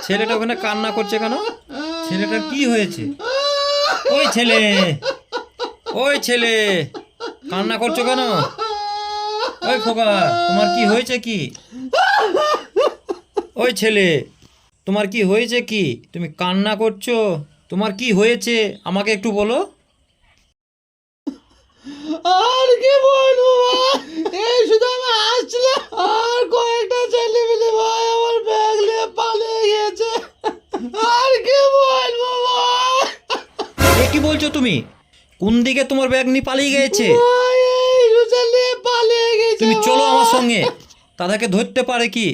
ছেলেটা ওখানে কান্না করছে কেন? ছেলেটার কি হয়েছে? ওই ছেলে, ওই ছেলে, কান্না করছো কেন? ওই খোকা, তোমার কি হয়েছে কি? ওই ছেলে, তোমার কি হয়েছে কি? তুমি কান্না করছো, তোমার কি হয়েছে আমাকে একটু বলো। আর কি বলবো ভাই, এই শুধু আমি আসছিলাম আর কয়েকটা ছেলে মিলে ভাই আমার ব্যাগ নিয়ে পালিয়ে গিয়েছে। আর কি বলবো ভাই। এ কি বলছো তুমি? কোন দিকে তোমার ব্যাগ নিয়ে পালিয়ে গেছে? ভাই এই শুধু নিয়ে পালিয়ে গেছে। তুমি চলো আমার ভাই। সঙ্গে, তাদেরকে ধরতে পারে কি।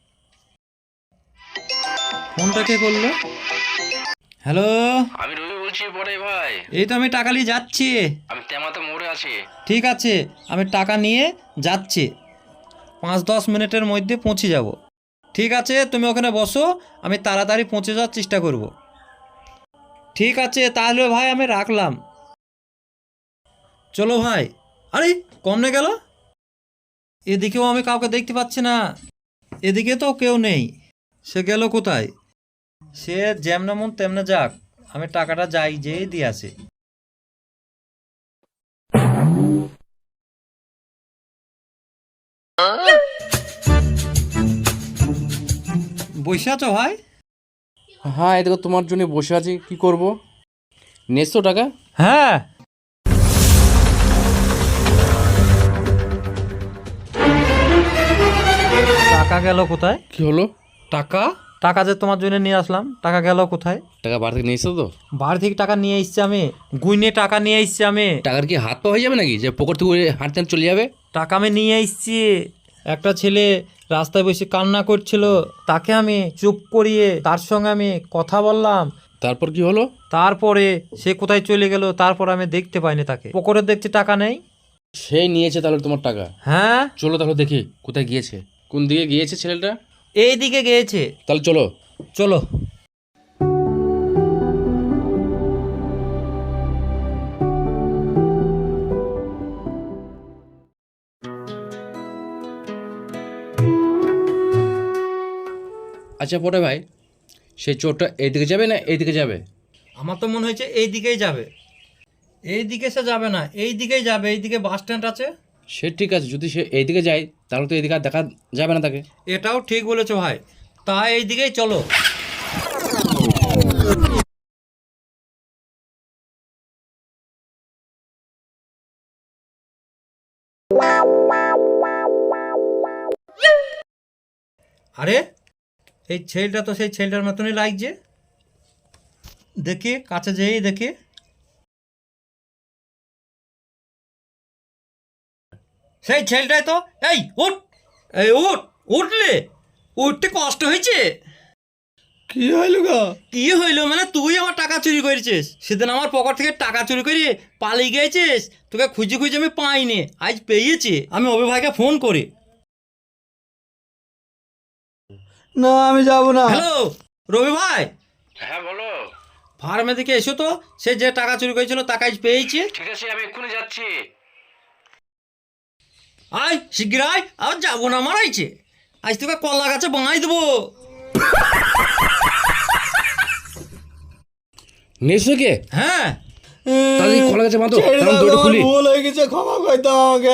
ফোনটা কে করলো? হ্যালো, আমি রবি বলছি বড় ভাই। এই তো আমি টাকা নিয়ে যাচ্ছি। আমি তেমাতে মোড়ে আছি। ঠিক আছে, আমি টাকা নিয়ে যাচ্ছি, 5-10 মিনিটের মধ্যে পৌঁছে যাব। ঠিক আছে, তুমি ওখানে বসো, আমি তাড়াতাড়ি পৌঁছে যাওয়ার চেষ্টা করব। ঠিক আছে তাহলে ভাই, আমি রাখলাম। চলো ভাই। আরে কমনে গেল, এদিকেও আমি কাউকে দেখতে পাচ্ছি না, এদিকে তো কেউ নেই। সে গেল কোথায়? সে যেমন মন তেমনে যাক, আমি টাকাটা যাই যেই দিয়ে আসি। বসে আছো ভাই? হ্যাঁ, এদিকে তোমার জন্য বসে আছি, কি করব? নেছো টাকা? হ্যাঁ। টাকা গেল কোথায়? কি হলো? টাকা টাকা যে তোমার জন্য নিয়ে আসলাম, টাকা গেল কোথায়? টাকা বাড়ি থেকে নিয়েছো তো? বাড়ি থেকে টাকা নিয়ে এসছি আমি, গুইনে টাকা নিয়ে এসছি আমি। টাকার কি হাত পা হয়ে যাবে নাকি যে পকেট থেকে হাঁটতে চলে যাবে? টাকা আমি নিয়ে এসছি। একটা ছেলে রাস্তায় বসে কান্না করছিল, তাকে আমি চুপ করিয়ে তার সঙ্গে আমি কথা বললাম। তারপর কি হলো? তারপরে সে কোথায় চলে গেল, তারপর আমি দেখতে পাইনি তাকে। পকেটে দেখছি টাকা নেই। সেই নিয়েছে তাহলে তোমার টাকা? হ্যাঁ। চলো তাহলে দেখি কোথায় গিয়েছে, কোন দিকে গিয়েছে ছেলেটা। এই দিকে গিয়েছে। তাহলে চলো। চলো। আচ্ছা পরে ভাই, সেই চোরটা এইদিকে যাবে না এইদিকে যাবে? আমার তো মনে হয়েছে এই দিকেই যাবে। এই দিকে সে যাবে না, এই দিকেই যাবে, এইদিকে বাস স্ট্যান্ড আছে। সে ঠিক আছে, যদি সে এইদিকে যায় তাহলে তো এইদিকে আর দেখা যাবে না তাকে। এটাও ঠিক বলেছো ভাই, তাই এই দিকেই চলো। আরে এই ছেলেটা তো সেই ছেলেটার মতনই লাগছে, দেখি কাছে যেই দেখি। সেই ছেলেটাই তো। এই উঠ, এই উঠ, উঠলে, উঠতে কষ্ট হয়েছে? কি হইল গো? কি হইলো মানে, তুই আমার টাকা চুরি করেছিস। সেদিন আমার পকেট থেকে টাকা চুরি করে পালিয়ে গেছিস, তোকে খুঁজে খুঁজে আমি পাইনি, আজ পেয়েছি। আমি অভি ভাইকে ফোন করি। না আমি যাব না। হ্যালো রবি ভাই, হ্যাঁ বলো। ফার্মে দিকে এসো তো, সে যে টাকা চুরি করেছিল টাকা আজ পেয়েছি। ঠিক আছে আমি এক্ষুনি যাচ্ছি। আয় শিগগির আয়, আর যাবো না মারাইছে। আজ তোকে কলা গাছে বাঙাই দেবো। নেছো কে? হ্যাঁ। তাহলে এই কলা গাছে বাঁধো, ছেড়ে তাহলে দাও, দড়িটা আমার খুলি। ভুল হয়ে গেছে, ক্ষমা করে দাও আমাকে।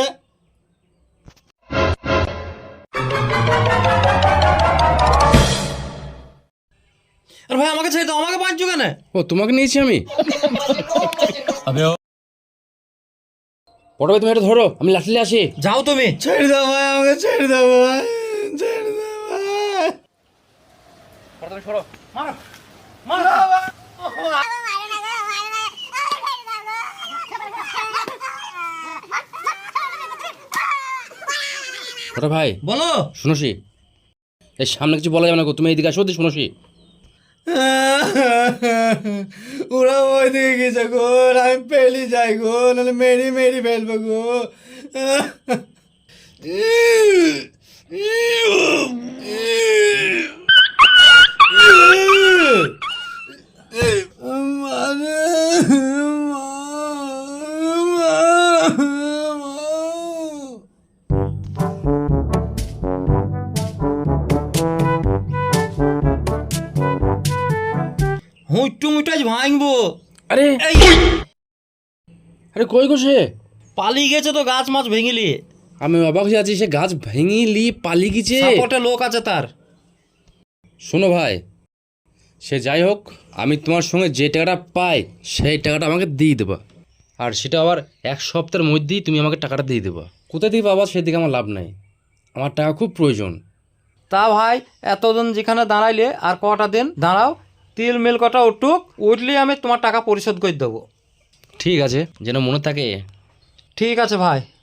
আর ভাই আমাকে ছেড়ে দাও, আমাকে বাঁচছো কেন? ও তোমাকে নিয়েছি আমি। পরে তুমি এটা ধরো, আমি লাঠি আসি। যাও তুমি। ছেড়ে দাও ভাই, আমাকে ছেড়ে দাও ভাই, ছেড়ে দাও ভাই। তুমি সরো। ওটা ভাই বলো। শুনোসি, এই সামনে কিছু বলা যাবে না গো, তুমি এইদিকে আসো, শুনোসি। ওরা ওই দিকে গেছে গো, আমি পেলি যাই গো, নাহলে মেরি মেরি ফেলবো গো। মুট্টু মুটাজ ভাঙবো। আরে এই আরে কই গো সে? পালিয়ে গেছে তো গাছ মাছ ভেঙিলি। আমি অবাক হয়ে আছি, সে গাছ ভেঙিলি পালিয়ে গেছে। সাপোর্টে লোক আছে তার। শোনো ভাই, সে যাই হোক, আমি তোমার সঙ্গে যে টাকাটা পাই সেই টাকাটা আমাকে দিয়ে দেবা, আর সেটা আবার 1 সপ্তাহের মধ্যেই তুমি আমাকে টাকাটা দিয়ে দেবা। কোথা থেকে পাবা সেদিকে আমার লাভ নাই, আমার টাকা খুব প্রয়োজন। তা ভাই এতদিন যেখানে দাঁড়াইলে আর কটা দিন দাঁড়াও, তিল মিল কটা উঠুক, উঠলে আমি তোমার টাকা পরিশোধ করে দেবো। ঠিক আছে, যেন মনে থাকে। ঠিক আছে ভাই।